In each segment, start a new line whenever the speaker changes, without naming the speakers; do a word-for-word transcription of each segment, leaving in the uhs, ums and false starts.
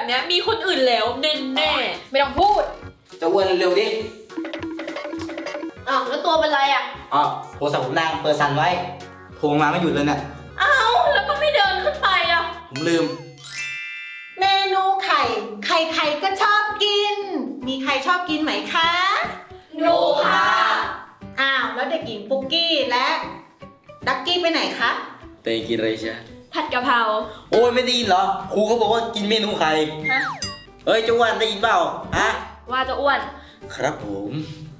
เนี้ยมีคนอื่นแล้วแน่แน่ไม่ต้องพูด
จะอ้วนเร็วๆดิ
อ้าวแล้วตัวเป็นไรอ่ะ
อ๋อโทรศัพท์ผมดังเปิดสั่นไว้โทรมาไม่หยุดเลยเนี่ย
อ้าวแล้วก็ไม่เดินขึ้นไปอ่ะ
ผมลืม
เมนูไข่ใครๆก็ชอบกินมีใครชอบกินไหมคะ
หนูค่ะ
อ้าวแล้วเด็กหญิงปุ๊กกี้และดักกี้ไปไหนคะ
เตยกินอะไรใช่
ผัดกะเพรา
โอ้ยไม่ได้ยินเหรอครูเขาบอกว่ากินเมนูไข่
ฮะ
เอ้ยเจ้าอ้วนได้ยินเปล่าฮะ
ว่าจะอ้วน
ครับผม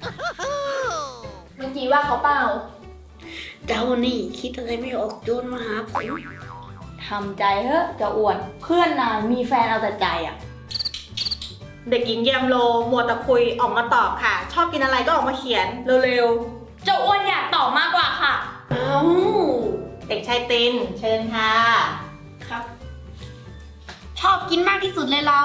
เมื่อกี้ว่าเขาเปล่า
เจ้านี่คิดอะไรไม่ออกโจนมาหาผม
ทำใจเถอะจะอ้วนเพื่อนนายมีแฟนเอาแต่ใจอ่ะ
เด็กหญิงแยมโลมัวแต่คุยออกมาตอบค่ะชอบกินอะไรก็ออกมาเขียนเร็ว
ๆเจ้าอ้วนอยากตอบมากกว่าค่ะ
อ้าวเด็กชายตินเชิญค่ะ
ครับชอบกินมากที่สุดเลยเรา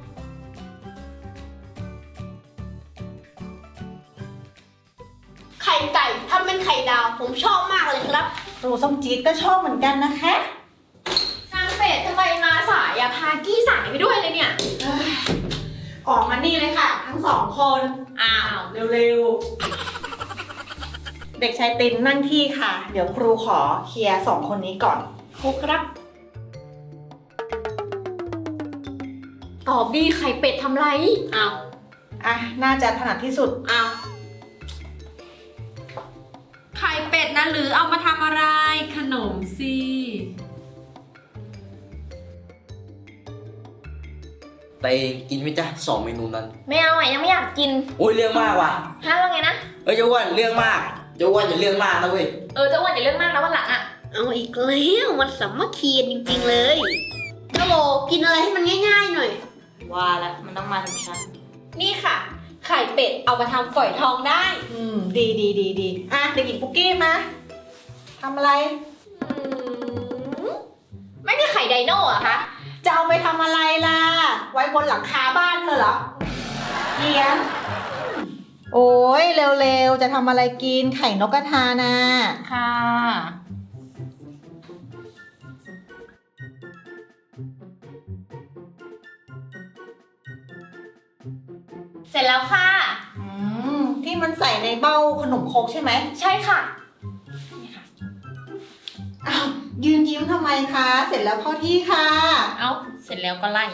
ไข่ไก่ถ้าเป็นไข่ดาวผมชอบมากเลยครับ
ครูส้มจี๊ดก็ชอบเหมือนกันนะคะ
นางเป็ดทำไมมาสายอะพากี้สายไปด้วยเลยเนี่ย
ออกมานี่เลยค่ะทั้งสองคน
อ้าว
เร็วๆเด็กชายตินนั่งที่ค่ะเดี๋ยวครูขอเคลียร์สองคนนี้ก่อน
ครูครับตอบดีไข่เป็ดทำไรอ้าว
อ่ะน่าจะถนัดที่สุด
อ้าวไข่เป็ดนะหรือเอามาทำอะไรขนมสิ
เตยกินไหมจ๊ะสองเมนูนั้น
ไม่เอาอ่ะยังไม่อยากกิน
โอ้ยเรื่องมากว่ะ
ฮะว่าไงนะ
เอ้ยเจ้าอ้วนเรื่องมากเจ้าอ้วนอย่าเรื่องมากนะเว้ย
เออเจ้าอ้วนอย่าเรื่องมากนะวันหลังอ่ะ
เอาอีกแล้วมันสามัคคีจริงๆเลยเจ้าโลกินอะไรให้มันง่ายๆหน่อย
ว่าแล้วมันต้องมาถึงฉันนี่ค่ะไข่เป็ดเอามาทำฝอยทองได้
อืมดีดีดีดีอ่ะเด็กหญิงปุ๊กกี้มาทำอะไร
ไม่มีไข่ไดโน่อะคะ
จะเอาไปทำอะไรล่ะไว้บนหลังคาบ้านเธอเหรอเกียนโอ้ยเร็วๆจะทำอะไรกินไข่นกกระทานะ
ค่ะเสร็จแล้วค่ะ
อืมที่มันใส่ในเบ้าขนมครกใช่ไหม
ใช่ค่ะ
นี่ค่ะอ้าวยืนยิ้มทำไมคะเสร็จแล้วเข้าที่ค่ะ
เอ้าเสร็จแล้วก็ไล่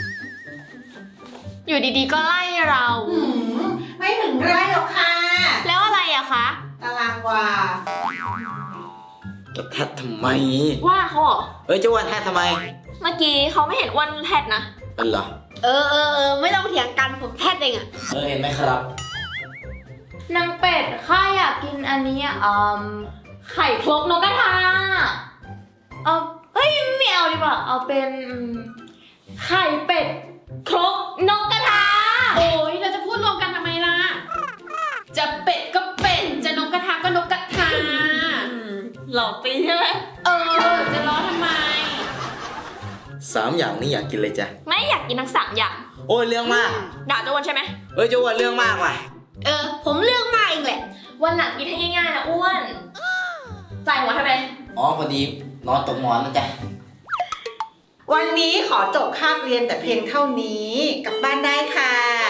อยู่ดีๆก็ไล่เรา
อืมไม่ถึงไล่หรอกค่ะ
แล้วอะไรอะคะ
ตารางวา
จะแทดทำไม
ว่าเขาเหรอ
เอ้ยเจ้าอ้วนแทดทำไม
เมื่อกี้เขาไม่เห็นอ้วนแทดนะ
เป็นเหรอ
เออเออเออไม่ต้องเถียงกันผมแทดเองอะ
เออเห็นไหมครับ
นางเป็ดข้าอยากกินอันนี้อ่ะไข่ครกนกกระทาเอาเฮ้ยไม่เอาดีกว่าเอาเป็นไข่เป็ดครกนกกระทาโอ้ยเราจะพูดรวมกันทำไมล่ะจะเป็ดก็เป็ดจะนกกระทาก็นกกระทาหลอกตีใช่ไหมเออจะล้อทำไม
สามอย่างนี้อยากกินเลยจ้ะ
ไม่อยากกินทั้งสามอย่าง
โอ้ยเรื่องมาก
ด่าเจ้าอ้วนใช่ไหม
เอ้ยเจ้าอ้วนเรื่องมากว่ะ
เออผมเรื่องมากเองแหละวันหลังกินให้ง่ายๆนะอ้วนใส่หัวทำไม
อ๋อพอดีนอนตกหมอนนะจ๊ะ
วันนี้ขอจบคาบเรียนแต่เพียงเท่านี้กลับบ้านได้ค่ะ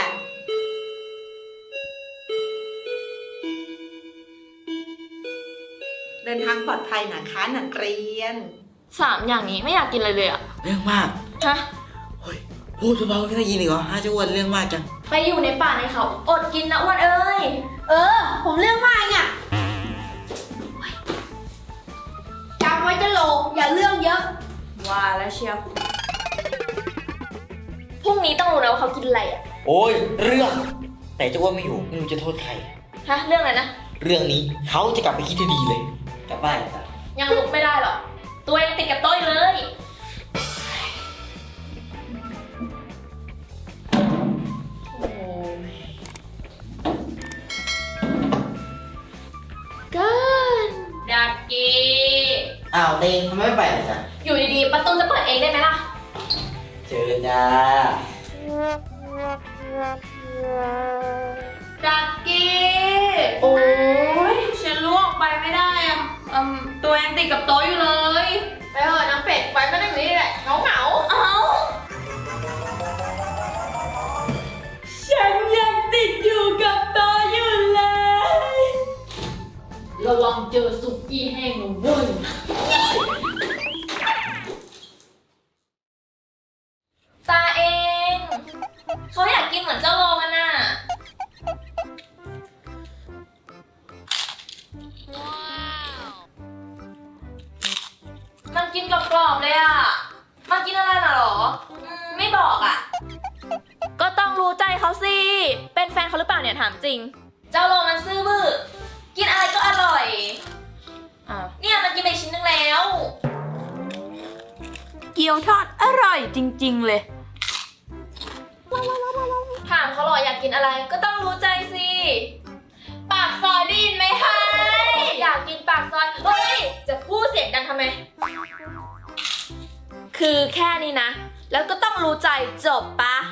เดินทางปลอดภัยนะคะนักเรียน
สามอย่างนี้ไม่อยากกินเลยเลยอะ
เรื่องมาก
ฮะ
เฮ้ยพูดเบาๆไม่ได้ยินอีกเหรอฮะเจ้าอ้วนเรื่องมากจัง
ไปอยู่ในป่าในเขาอดกินนะอ้วนเอ้ยเออผมเรื่องมากอ่ะจำไว้จะโลอย่าเรื่องเยอะว่าแล้วเชียวพรุ่งนี้ต้องรู้นะว่าเขากินอะไรอ่ะ
โอ้ยเรื่องแต่เจ้าอ้วนไม่อยู่ไม่รู้จะโทษใคร
ฮะเรื่องอะไรนะ
เรื่องนี้เขาจะกลับไปคิดให้ดีเลยกลับบ้านจ้ะ
ยังลุกไม่ได้หรอกตัวยังติดกับโต๊ะเลยกันดักกี้
อ้าวเต้ทำไมไม่ไปล่ะจ๊ะ
อยู่ดีๆประตูจะเปิดเองได้ไหมล่ะ
เจอจ้า
ดักกี้โอ้ยฉันล่วงไปไม่ได้อะตัวยังติดกับโต๊ะอยู่เลยไปเถอะน้ำเป็ดไว้ไม่ได้อยู่นี่แหละเหงาเหงาเอาระวังเจอสุกี้แห้งนะเว้ยตาเองเขาอยากกินเหมือนเจ้าโลกันน่ะมันกินกรอบๆเลยอ่ะมันกินอะไรน่ะหรออืมไม่บอกอ่ะก็ต้องรู้ใจเขาสิ เป็นแฟนเขาหรือเปล่าเนี่ยถามจริง เจ้าโลมันซื่อบื้อกินอะไรก็อร่อยอ่าเนี่ยมันกินไปชิ้นนึงแล้ว เกี๊ยวทอดอร่อยจริงๆเลยถามเขาหรออยากกินอะไรก็ต้องรู้ใจสิปากซอยได้ยินไหมคะอยากกินปากซอยเฮ้ยจะพูดเสียงดังทำไมคือแค่นี้นะแล้วก็ต้องรู้ใจจบปะ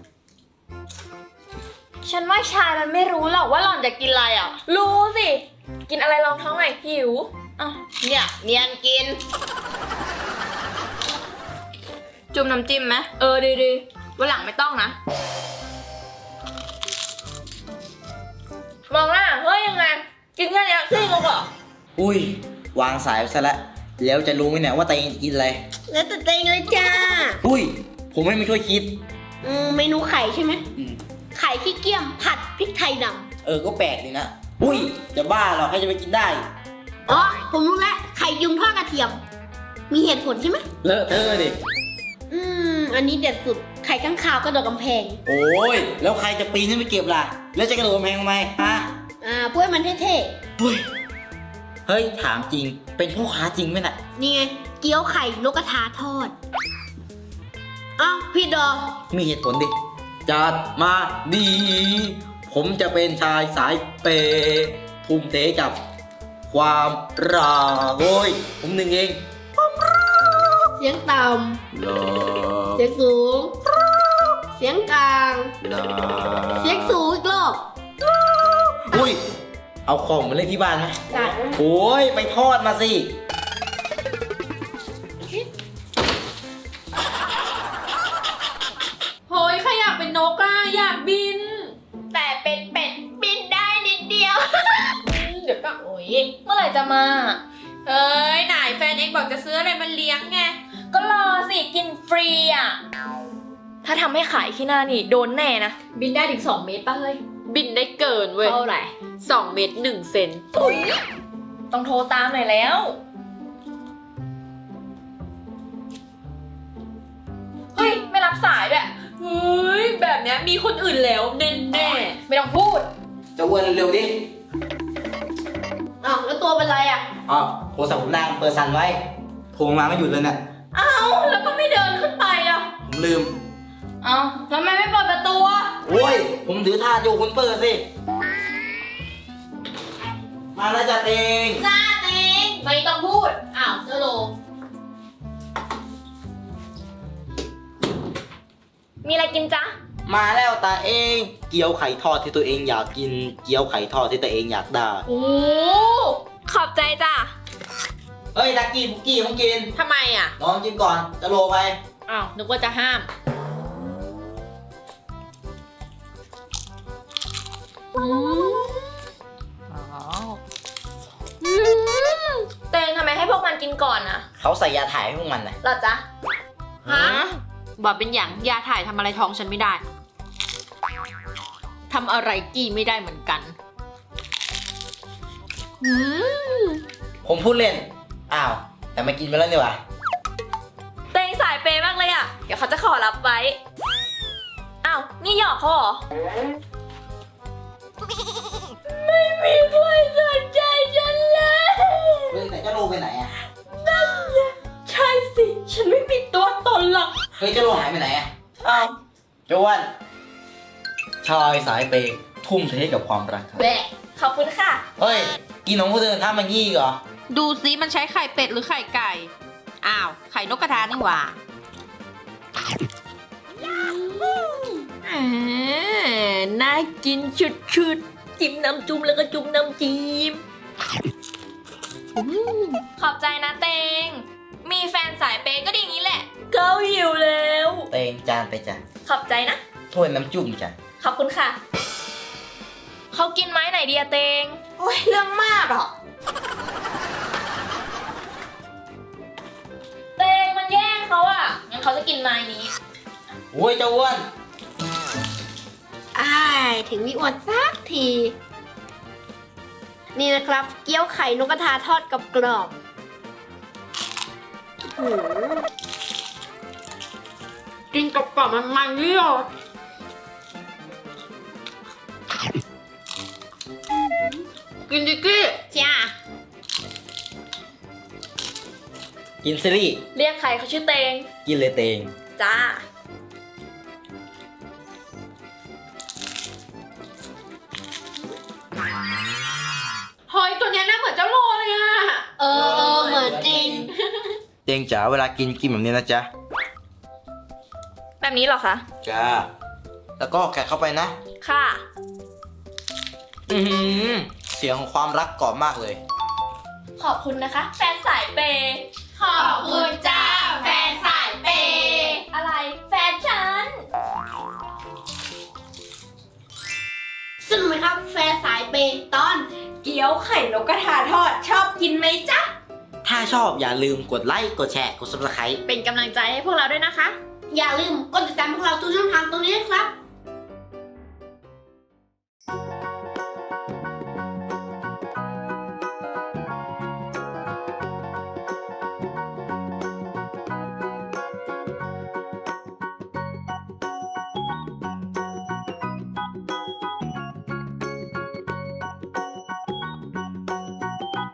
ฉันว่าชายมันไม่รู้หรอกว่าหล่อนจะกินอะไรอ่ะรู้สิกินอะไรลองท้องหน่อยหิวอ่ะเนี่ยเนียนกินจุ่มน้ำจิ้มไหมเออดีดีวันหลังไม่ต้องนะมองหน้าเฮ้ยยังไงกินแค่นี้ขี้งกเหรอ
อุ้ยวางสายไปซะแล้วแล้วจะรู้ไหมเนี่ยว่าตัวเองกินอะไร
แล้วแต่ตัวเองเลยจ้า
อุ้ยผมไม่มาช่วยคิด
อืมเมนูไข่ใช่ไหม
อืม
ไข่ขี้เกียจผัดพริกไทยด
เออก็แปลกดีนะอุ้ยจะบ้าเหรอใครจะไปกินได้
ำอ๋อ ผมรู้แล้ว ไข่ยุงทอดกระเทียม มีเหตุผลใช่ไหม
เลอะเทอะดิ
อืม อันนี้เด็ดสุด ไข่ข้างคาวกระโดดกำแพง
โอ้ยแล้วใครจะปีนขึ้นไปเก็บล่ะแล้วจะกระโดดกำแพงทำไมฮะ
อ่าเพื่อให้มันเท่
เฮ้ยเฮ้ยถามจริงเป็นพ่อค้าจริงไหมน่ะ
ๆ นี่ไง เกี๊ยวไข่นกกระทาทอด อ้าวพี่ดอ
มีเหตุผลดิจัดมาดี ผมจะเป็นชายสายเปย์ทุ่มเทกับความรักโอ้ยผมหนึ่งเอง
เสียงต่
ลา
ำ เสียงสูง เสียงกลาง
ลา
เสียงสูงอีกรอบ
อุ้ยเอาของมาเล่นที่บ้านไหม
ได้
โอ้ยไปทอดมาสิ
เฮ้ยใครอยากเป็นนกอ่ะอยากบิน แต่เป็นเป็ดบินได้นิดเดียว เดี๋ยวก็โอ้ยเมื่อไหร่จะมาเฮ้ยไหนแฟนเองบอกจะซื้ออะไรมาเลี้ยงไงก็รอสิกินฟรีอ่ะถ้าทำให้ขายขี้หน้านี่โดนแน่นะบินได้ถึงสองเมตรป่ะเฮ้ยบินได้เกินเว้ยเท่าไหร่สองเมตรหนึ่งเซนต้องโทรตามหน่อยแล้วเฮ้ยไม่รับสายด้วยเฮ้ยแบบเนี้ยมีคนอื่นแล้วแน่แน่ๆไม่ต้องพูด
จะอ้วนเร็วๆดิ
อ้าวแล้วตัวเป็นไรอ่ะ
อ๋อโทรศัพท์ผมดังเปิดสั่นไว้โทรมาไม่หยุดเลยเนี่ย
อ้าวแล้วก็ไม่เดินขึ้นไปอ่ะ
ผมลืม
อ้าวทำไมไม่เปิดประตูอ่ะ
โอ้ยผมถือถาดอยู่คุณเปิดสิมาแล้วจ้ะเตง
จ้าเต็งไม่ต้องพูดอ้าวเจ้าโลมีอะไรกินจ๊ะ
มาแล้วตาเองเกี๊ยวไข่ทอดที่ตัวเองอยากกินเกี๊ยวไข่ทอดที่ตัวเองอยากได้
โอ้ขอบใจจ้ะ
เฮ้ยดักกี้บุกกี้ต้องกิน
ทำไมอ่ะ
ลองกินก่อนจะโลไป
อ้าวนึกว่าจะห้ามอืมอืมเตงทำไมให้พวกมันกินก่อนนะ
เขาใส่ยาถ่ายให้พวกมันน่ะ
เหรอจ๊ะ
ฮะบอกเป็นอย่างยาถ่ายทำอะไรท้องฉันไม่ได้ทำอะไรกี้ไม่ได้เหมือนกันอืม
ผมพูดเล่นอ้าวแต่ไม่กินไปแล้วนี่หว่า
เตงสายเปย์มากเลยอ่ะ เดี๋ยวเขาจะขอรับไว้ อ้าว นี่หยอกเขาเหรอ ไม่มีใครสนใจฉันเลย
เฮ้ยแต่เจ้าโลไปไหนอ่ะ
ใช่สิ ฉันไม่มีตัวตนหรอก
เฮ้ยเจ้าโลหายไปไหนอ่ะอ้าวจวนชายสายเปย์ทุ่มเทกับความรักครับ
แบะ ขอบคุณค่ะ
เฮ้ยกินของคนอื่นทำมันงี้อีกเหรอ
ดูซิมันใช้ไข่เป็ดหรือไข่ไก่อ้าวไข่นกกระทานี่หว่าอ่าน่ากินชุดๆจิ้มน้ำจุ่มแล้วก็จุ่มน้ำจิ้ม
ขอบใจนะเตง มีแฟนสายเปย์ก็ดีอย่างนี้แหละเขาหิวแล้ว
เตงจานไปจ้ะ
ขอบใจนะ
ถ้วยน้ำจุ่มจ้ะ
ขอบคุณค่ะ เขากินไม้ไหนดีอะเตง โอ้ยเรื่องมากอ่ะเตงมันแย่งเขาอ่ะ งั้นเขาจะกินไม้นี้
โอ้ยเจ้าอ้วน
อ้ายถึงมีอวดสักที นี่นะครับ เกี๊ยวไข่นกกระทาทอดกับกรอบๆหืมกินกับกรอบมันมันๆนี่หรอกินดิกี้จ้า
กินซีรีส์
เรียกใครเขาชื่อเตง
กินเลยเตง
จ้า
หอยตัวเนี้ยน่าเหมือนเจ้าโลเลยอะ
เออเออเหมือนจริง
เตงจ๋าเวลากินกินแบบนี้นะจ๊ะ
แบบนี้เหรอคะ
จ้า แล้วก็แกะเข้าไปนะ
ค่ะ
อือหือเสียงของความรักกรอบมากเลย
ขอบคุณนะคะ แฟนสายเปย์
ขอบคุณจ้าแฟนสายเปย์
อะไร แฟนฉัน
สนุกไหมครับแฟนสายเปย์ตอน
เกี๊ยวไข่นกกระทาทอด ชอบกินไหมจ๊ะ
ถ้าชอบอย่าลืมกดไลค์ กดแชร์ กด ซับสไครบ์
เป็นกำลังใจให้พวกเราด้วยนะคะ
อย่าลืมกดติดตามพวกเราทุกช่องทางตรงนี้นะครับ